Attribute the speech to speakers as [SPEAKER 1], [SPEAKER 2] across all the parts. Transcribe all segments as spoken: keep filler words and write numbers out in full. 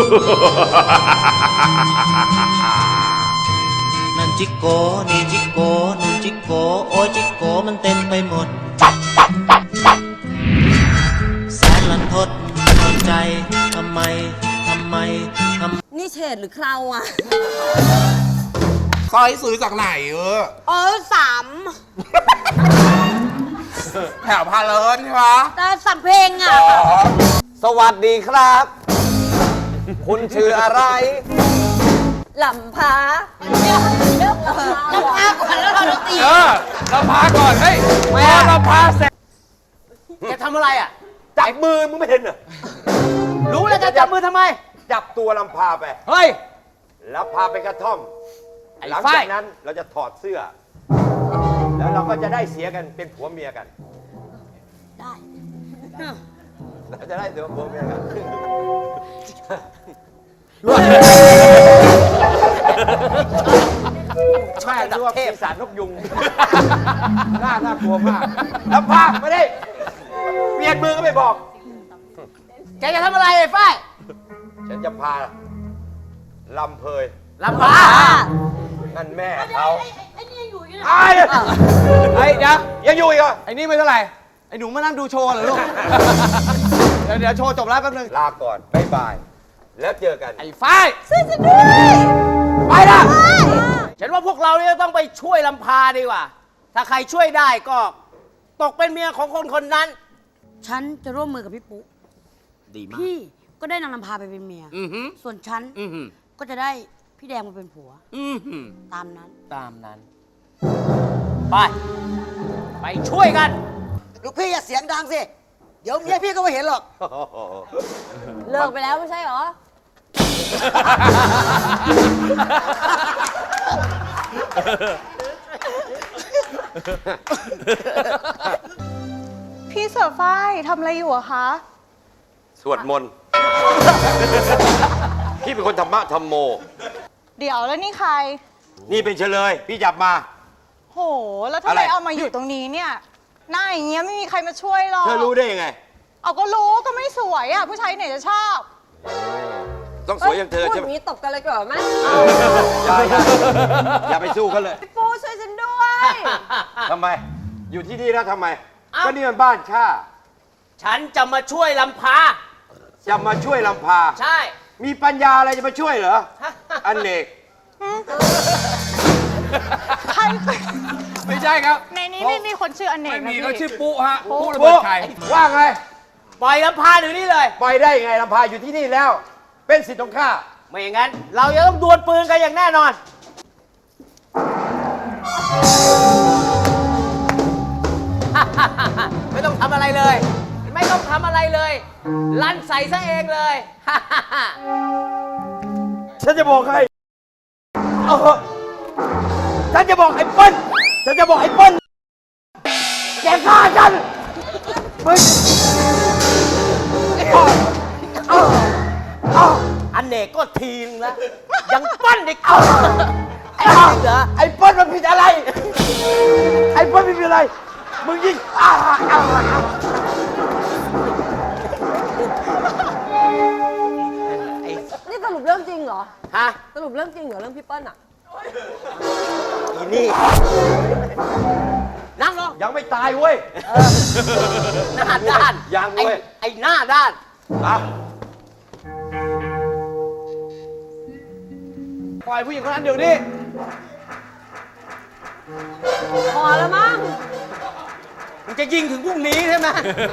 [SPEAKER 1] นั่นจิโกนี่จิโกนู่นจิโกโอ้ยจิโกมันเต็มไปหมดแสนลันทดทนใจทำไมทำไมทำ
[SPEAKER 2] นี่เฉดหรือเคราอ่ะ
[SPEAKER 3] ซอยซื้อจากไหนเออ
[SPEAKER 2] เออสาม
[SPEAKER 3] แถวพาเลินใช่ไหม
[SPEAKER 2] แต่สั่งเพลงอ่ะ
[SPEAKER 4] สวัสดีครับ คุณชื่ออะไร
[SPEAKER 2] ลำพาลำพาก่อนแล้วเราดนตรี
[SPEAKER 3] เออลำพาก่อนเฮ้ยพอลำพาเสร็จ
[SPEAKER 4] แกทำอะไรอ่ะจับมือมึงไม่เห็นเหรอรู้แล้วจะจับมือทำไมจับตัวลำพาไปเฮ้ยแล้วพาไปกระท่อมหลังจากนั้นเราจะถอดเสื้อแล้วเราก็จะได้เสียกันเป็นผัวเมียกัน
[SPEAKER 2] ได้
[SPEAKER 4] เราจะได้เสียผัวเมียกันใช่ดูว่าปีศาจนกยุงน่าน่ากลัวมากแล้วพาไม่ได้เปลี่ยนมือก็ไม่บอกแกจะทำอะไรไอ้ฝ้ายฉันจะพาลำเพยลำพานั่นแม่เขา
[SPEAKER 2] ไอ้นี่ยังอยู่อยู่นะ
[SPEAKER 4] ไอ้ไอ้เดี๋ยวยังอยู่อีกเหรอไอ้นี่ไม่เท่าไหร่ไอ้หนูมานั่งดูโชว์เหรอลูกเดี๋ยวเดี๋ยวโชว์จบแล้วแป๊บนึงลาก่อนบ๊ายบายแล้วเจอกันไอ้ฝ้าย
[SPEAKER 2] ช่วยฉันด้วย
[SPEAKER 4] ไปละฉันว่าพวกเราเนี่ยต้องไปช่วยลำพาดีกว่าถ้าใครช่วยได้ก็ตกเป็นเมียของคนคนนั้น
[SPEAKER 2] ฉันจะร่วมมือกับพี่ปุ๊
[SPEAKER 4] ดีมาก
[SPEAKER 2] พี่ก็ได้นางลำพาไปเป็นเมียส่วนฉันก็จะได้พี่แดงมาเป็นผัวตามนั้น
[SPEAKER 4] ตามนั้นไปไปช่วยกัน
[SPEAKER 5] ลูกพี่อย่าเสียงดังสิเดี๋ยวเมียพี่ก็ไม่เห็นหรอก
[SPEAKER 2] เลิกไปแล้วไม่ใช่เหรอ
[SPEAKER 6] พี่เสือฝ้ายทำอะไรอยู่อะคะ
[SPEAKER 4] สวดมนต์พี่เป็นคนธรรมะธรรมโม
[SPEAKER 6] เดี๋ยวแล้วนี่ใคร
[SPEAKER 4] นี่เป็นเฉลยพี่จับมา
[SPEAKER 6] โหแล้วทำไมเอามาอยู่ตรงนี้เนี่ยหน้าอย่างเงี้ยไม่มีใครมาช่วยหรอก
[SPEAKER 4] เธอรู้ได้ยังไง
[SPEAKER 6] เอาก็รู้ก็ไม่สวยอะผู้ชายไหนจะชอบ
[SPEAKER 4] ต้องสวยอย่างเธอใช่ไหม
[SPEAKER 2] พูดนี้ตบกันเลยก่อนไหม
[SPEAKER 4] อย่าอย่าอย่าไปสู้เขาเลย
[SPEAKER 2] พี่ปูช่วยฉันด้วย
[SPEAKER 4] ทำไมอยู่ที่นี่แล้วทำไมก็นี่มันบ้านข้าฉันจะมาช่วยลำพาจะมาช่วยลำพาใช่มีปัญญาอะไรจะมาช่วยเหรออเนก
[SPEAKER 6] ใคร
[SPEAKER 3] ไม่ใช่ครับ
[SPEAKER 6] ในนี้ไม่มีคนชื่ออเนก
[SPEAKER 3] ไม่มีเขาชื่อปุ๊ฮะ
[SPEAKER 4] ปุ๊ระเบิดไข่ว่าไงปล่อยลำพาอยู่นี่เลยปล่อยได้ไงลำพาอยู่ที่นี่แล้วเป็นสิทธิ์ของข้าไม่อย่างนั้นเราจะต้องดวลปืนกันอย่างแน่นอนไม่ต้องทำอะไรเลยไม่ต้องทำอะไรเลยลั่นใส่ซะเองเลยฉันจะบอกใครฉันจะบอกไอ้เปิ้ลฉันจะบอกไอ้เปิ้ลแกฆ่าฉันมึงอันเนกก็ทีนึงแล้วยังปั้นอีกไอ้เหรอไอ้เปิ้ลมันผิดอะไรไอ้เปิ้ลไม่ผิดอะไรมึงยิงอ้าวอ้าว
[SPEAKER 2] นี่สรุปเรื่องจริงเหรอ
[SPEAKER 4] ฮะ
[SPEAKER 2] สรุปเรื่องจริงเหรอเรื่องพี่เปิ้ลอ่ะ
[SPEAKER 4] อีนี่นั่งลงยังไม่ตายเว้ยหน้าด้านยังเว้ยไอ้หน้าด้านปล่อยผู้หญิงคนนั้นเดี๋ยวนี้
[SPEAKER 2] พอแล้วมั้ง
[SPEAKER 4] มึงจะยิงถึงพรุ่งนี้ใช่ไหม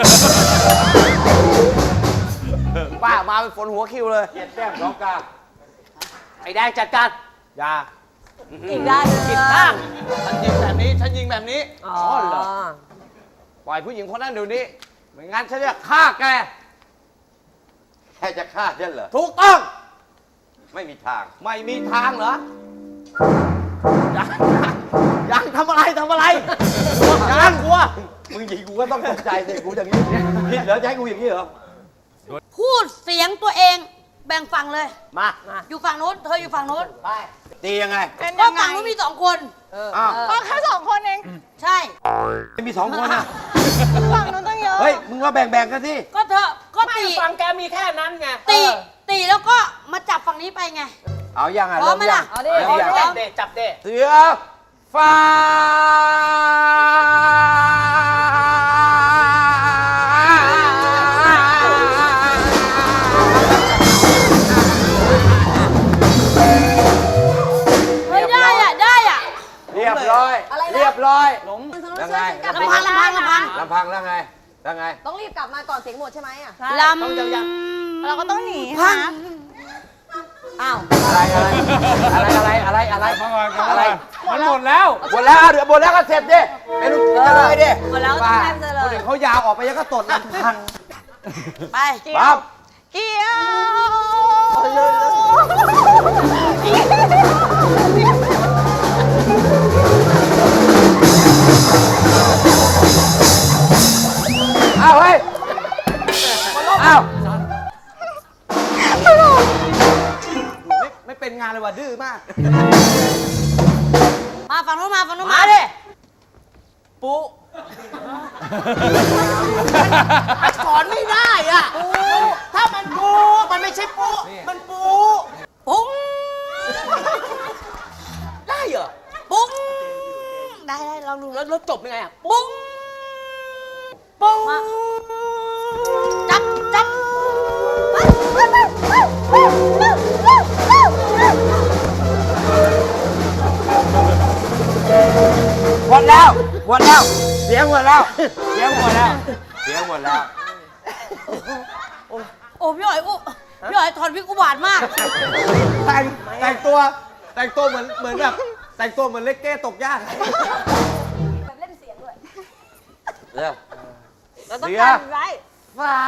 [SPEAKER 4] ป้ามาเป็นฝนหัวคิวเลยเจ็ดแต้มสองกาไอ้แดงจัดการอย่า
[SPEAKER 2] อีกด้าน
[SPEAKER 4] ผิดข้างฉันยิงแบบนี้ฉันยิงแบบนี้อ๋อเหรอปล่อยผู้หญิงคนนั้นเดี๋ยวนี้ไม่งั้นฉันจะฆ่าแกแค่จะฆ่าฉันเหรอถูกต้องไม่มีทางไม่มีทางเหรอยังยังทำอะไรทำอะไรยังกลัวมึงยิงกูก็ต้องตกใจสิกูอย่างนี้ผิดเหรอจะให้กูอย่างนี้เหรอ
[SPEAKER 2] พูดเสียงตัวเองแบ่งฝั่งเลย
[SPEAKER 4] มา
[SPEAKER 2] อยู่ฝั่งนู้นเธออยู่ฝั่งนู้น
[SPEAKER 4] ไปตียังไง
[SPEAKER 2] ก็ฝั่งนู้นมีสองคน
[SPEAKER 6] ก็แค่สองคนเอง
[SPEAKER 2] ใช่
[SPEAKER 4] ไม่มีสองคนอ่ะ
[SPEAKER 6] ฝั่งนู้นต้องเยอะ
[SPEAKER 4] เฮ้ยมึงว่าแบ่งๆกันสิ
[SPEAKER 2] ก็เธอก็ตี
[SPEAKER 4] ฝั่งแกมีแค่นั้นไง
[SPEAKER 2] ตีตตีแล้วก็มาจับฝั่งนี้ไปไง
[SPEAKER 4] เอายังอ่ะ
[SPEAKER 2] พร้อมไหมล่ะ
[SPEAKER 4] เริ่มยัง
[SPEAKER 6] เอาดิ
[SPEAKER 4] เริ่มยัง
[SPEAKER 6] จับเดจับเด
[SPEAKER 4] เสือฟ้า
[SPEAKER 2] เฮ้ยได้อ่ะได้อ่ะ
[SPEAKER 4] เรียบร้อย เรียบร้อยยังไง
[SPEAKER 2] ลำพังลำพังลำพัง
[SPEAKER 4] ลำพังแล้วไงแล้วไง
[SPEAKER 7] ต้องรีบกลับมาก่อนเสียงหมดใช่ไหมอ่ะ
[SPEAKER 2] ล
[SPEAKER 6] ต้องยาว
[SPEAKER 2] ำ
[SPEAKER 6] เราก็ต้องหนี
[SPEAKER 2] พัง
[SPEAKER 6] ค่ะ
[SPEAKER 7] อ้าว
[SPEAKER 4] อะไรอะไรอะไรอะไรอะไรอะไร
[SPEAKER 3] มันหมดแล้ว
[SPEAKER 4] หมดแล้วเอาเดี๋ยวหมดแล้วก็เสร็จดิเป็นลูกกินกันเลยดิ
[SPEAKER 7] หมดแล้วก็ต้องแทบจะเล
[SPEAKER 4] คน
[SPEAKER 7] ย
[SPEAKER 4] อื่นเขายาวออกไปยังก็ตดลำพัง
[SPEAKER 2] ไป
[SPEAKER 4] ปั๊บ
[SPEAKER 6] เกี่ยว
[SPEAKER 4] อ้าวเฮ้ยอ้าว
[SPEAKER 5] ไม่ไม่เป็นงานเลยว่ะดื้อมาก
[SPEAKER 2] มาฝั่งนู้นมาฝั่งนู้น
[SPEAKER 5] มาดิปุ๊มันสอนไม่ได้อ่ะถ้ามันปูมันไม่ใช่ปูมันปู
[SPEAKER 2] ปุ้ง
[SPEAKER 5] ได้เหรอ
[SPEAKER 2] ปุ้งได้ได้ลองดู
[SPEAKER 5] แล้วแล้วจบยังไงอ่ะ
[SPEAKER 2] ปุ้งปุ้งจับจับ
[SPEAKER 4] หมดแล้วหมดแล้วเสียงหมดแล้วเสียงหมดแล้วเสียงหมดแล้ว
[SPEAKER 2] โอ้พี่หอยอุพี่หอยถอนพิกอุบาทมาก
[SPEAKER 5] แต่งแต่งตัวแต่งตัวเหมือนเหมือนแบบแต่งตัวเหมือนเล็กเก้ตกยาก
[SPEAKER 7] แบบเล่นเสียงด้วย
[SPEAKER 4] เร็ว
[SPEAKER 7] เราต้อง
[SPEAKER 4] เสีย
[SPEAKER 7] การไว้
[SPEAKER 2] ฟ้า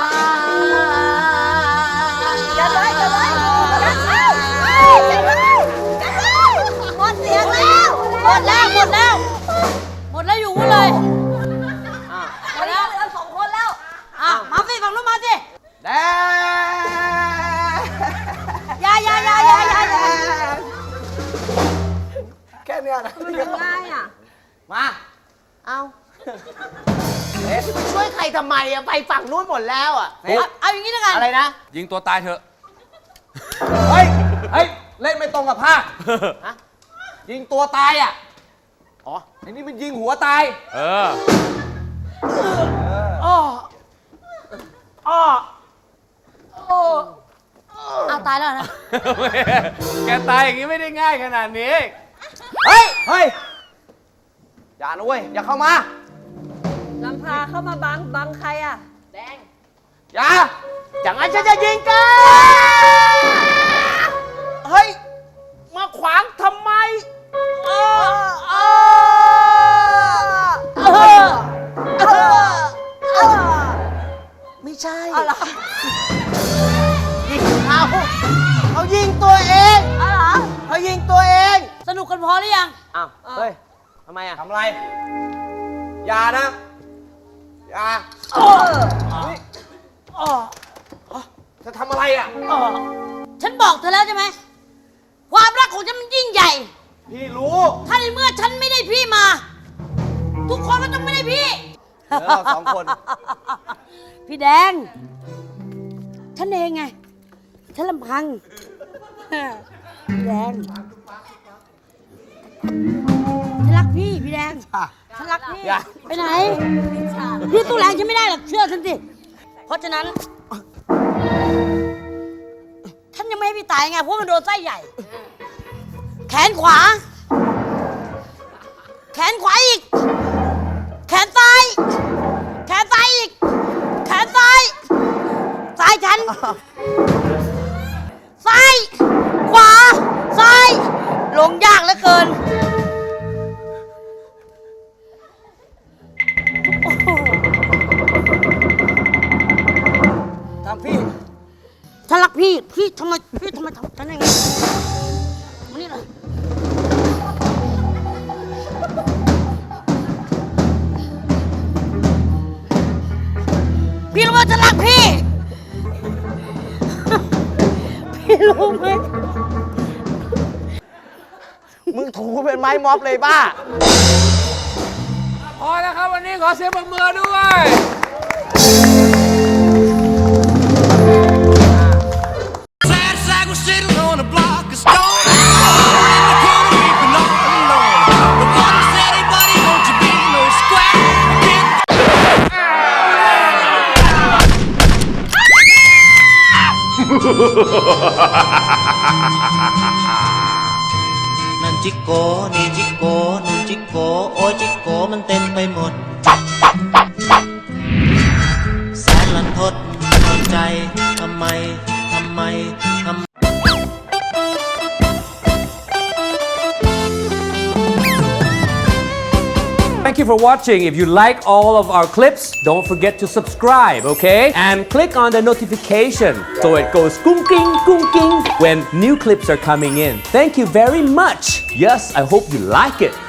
[SPEAKER 7] กันไว้กันไว้กันไว้กันไว้กันไว้หมดเสียงแล้ว
[SPEAKER 2] หมดแล้วหมดแล้ว หมดแล้วอยู่กูเลย
[SPEAKER 7] ตอนนี้เหลือสองคนแล้ว
[SPEAKER 2] อ่ะมาสิฝั่งนู้นมาสิ
[SPEAKER 5] แดง
[SPEAKER 2] อยาอยาอยาอยาอยาอยา
[SPEAKER 5] แค่เนี้ยนะ
[SPEAKER 7] มันยังง่ายอ่ะ
[SPEAKER 5] มา
[SPEAKER 7] เอา
[SPEAKER 5] ช่วยใครทำไมอะไปฝั่งนู้นหมดแล้วอะ
[SPEAKER 2] เอาเอาอย่างนี้แล้วกัน
[SPEAKER 5] อะไรนะ
[SPEAKER 3] ยิงตัวตายเถอะ
[SPEAKER 5] เฮ้ย เฮ้ย เล่นไม่ตรงกับภาคฮะยิงตัวตายอ่ะ อ๋อไอ้นี่มันยิงหัวตาย
[SPEAKER 3] เออ
[SPEAKER 5] อ้ออ้อ
[SPEAKER 2] เอาตายแล้วนะ
[SPEAKER 3] แกตายอย่างนี้ไม่ได้ง่ายขนาดนี้
[SPEAKER 5] เฮ้ย เฮ้ย อย่านะเว้ย อย่าเข้ามา
[SPEAKER 7] ลำพาเข้ามาบังบังใครอ่ะ แดง
[SPEAKER 5] อย่าอย่างนั้นฉันจะยิงแกเฮ้ย มาขวางทำไมเออเออเออเออเออไม่ใช่ยิงเขาเขายิงตัวเอง
[SPEAKER 2] เอาเหรอ
[SPEAKER 5] เขายิงตัวเอง
[SPEAKER 2] สนุกกันพอหรือยัง
[SPEAKER 5] อ้าวเฮ้ยทำไมอ่ะทำอะไร อย่านะ อย่านี่อ๋อจะทำอะไรอ่ะ
[SPEAKER 2] ฉันบอกเธอแล้วใช่ไหม ความรักของฉันมันยิ่งใหญ่
[SPEAKER 5] พี่รู้
[SPEAKER 2] ถ้าในเมื่อฉันไม่ได้พี่มา ทุกคนก็ต้องไม่ได้พี่
[SPEAKER 5] เหลือเราสองคน
[SPEAKER 2] พี่แดง ฉันเองไง ฉันลำพัง พี่แดง ฉันรักพี่ พี่แดง ฉันรักพี่
[SPEAKER 5] อย่า
[SPEAKER 2] ไปไหน พี่ตู้แรงฉันไม่ได้หรอก เชื่อฉันสิ เพราะฉะนั้น ฉันยังไม่ให้พี่ตายไง เพราะมันโดนไส้ใหญ่ แขนขวา แขนขวาอีก แขนซ้าย แขนซ้ายอีก แขนซ้าย ซ้ายฉัน ซ้าย ขวา ซ้าย ลงยากเหลือเกิน โอ้โห
[SPEAKER 5] ทำพี่
[SPEAKER 2] ฉันรักพี่ พี่ทำไม พี่ทำไมทำฉันอย่างนี้มานี่เลยพี่รู้ว่าฉันรักพี่ พี่รู้ไหม
[SPEAKER 5] มึงถูเป็นไม้ม็อบเลยบ้า
[SPEAKER 3] พอแล้วครับวันนี้ขอเสียงปรบมือด้วย
[SPEAKER 5] พ
[SPEAKER 1] นั่นจิโกนี่จิโกนั่นจิโกโอ้ยจิโกมันเต็มไปหมดแสนลันทดทนใจทำไมทำไมทำ
[SPEAKER 3] Thank you for watching. If you like all of our clips, don't forget to subscribe, okay? And click on the notification so it goes gung king gung king when new clips are coming in. Thank you very much. Yes, I hope you like it.